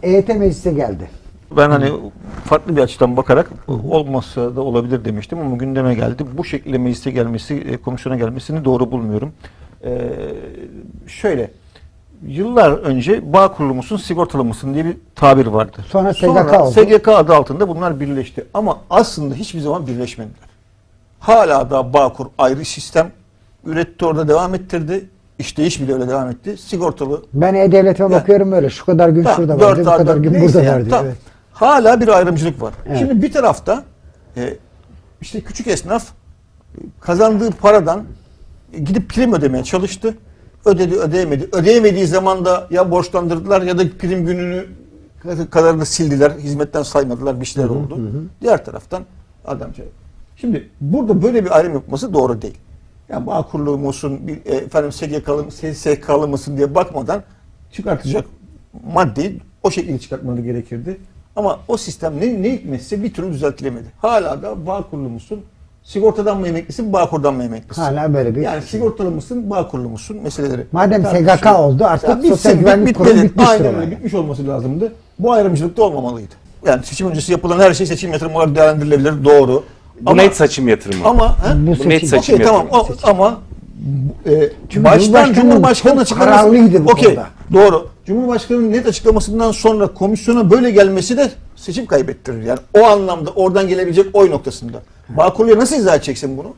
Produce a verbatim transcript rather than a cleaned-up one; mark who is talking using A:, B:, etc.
A: E Y T meclise geldi.
B: Ben hani farklı bir açıdan bakarak olmazsa da olabilir demiştim ama gündeme geldi. Bu şekilde meclise gelmesi, e, komisyona gelmesini doğru bulmuyorum. Ee, şöyle, yıllar önce bağ kurulu musun, sigortalı mısın diye bir tabir vardı.
A: Sonra S G K oldu.
B: S G K adı altında bunlar birleşti. Ama aslında hiçbir zaman birleşmediler. Hala da Bağkur ayrı sistem üretti, orada devam ettirdi. İşleyiş bile öyle devam etti. Sigortalı.
A: Ben E-Devlet'e bakıyorum böyle. Şu kadar gün
B: Tamam,
A: şurada
B: dört
A: var diyor, bu
B: A,
A: kadar
B: dört-
A: gün
B: neyse
A: burada
B: yani,
A: var diyor.
B: tamam.
A: Evet.
B: Hala bir ayrımcılık var.
A: Evet.
B: Şimdi bir tarafta e, işte küçük esnaf e, kazandığı paradan e, gidip prim ödemeye çalıştı. Ödedi, ödeyemedi. Ödeyemediği zaman da ya borçlandırdılar ya da prim gününü kadarını sildiler. Hizmetten saymadılar. Bir şeyler oldu. Diğer taraftan adamca. Şimdi burada böyle bir ayrım yapması doğru değil. Yani Bağkurlu musun, bir, e, efendim S G K'lı, S S K'lı mısın diye bakmadan çıkartacak maddeyi o şekilde çıkartmaları gerekirdi. Ama o sistem ne, ne hikmetse bir türlü düzeltilemedi. Hala da Bağkurlu musun, sigortadan mı emeklisin, Bağkur'dan mı emeklisin?
A: Hala böyle bir
B: Yani sigortalı mısın, Bağkurlu musun meseleleri.
A: Madem S G K
B: tartışılıyor.
A: oldu artık
B: Ya bitsin,
A: Sosyal
B: bit-
A: Güvenlik Kurumu
B: bitmeli.
A: bitmiştir.
B: Aynen
A: olay.
B: öyle, bitmiş olması lazımdı. Bu ayrımcılık da olmamalıydı. Yani seçim öncesi yapılan her şey seçim yatırımı olarak değerlendirilebilir, doğru.
C: Bu
B: Ama-
C: net seçim yatırımı.
B: Ama he?
A: Bu
C: Bu
A: seçim.
C: net seçim
B: Okey tamam
C: yatırımı.
B: o, ama e,
A: Çünkü
B: baştan
A: Cumhurbaşkanı
B: Cumhurbaşkanı
A: çok
B: açıklaması
A: kararlıydı bu
B: okey,
A: konuda.
B: doğru. Cumhurbaşkanı'nın net açıklamasından sonra komisyona böyle gelmesi de seçim kaybettirir. Yani o anlamda oradan gelebilecek oy noktasında. Bağkurlu'ya nasıl izah edeceksin bunu?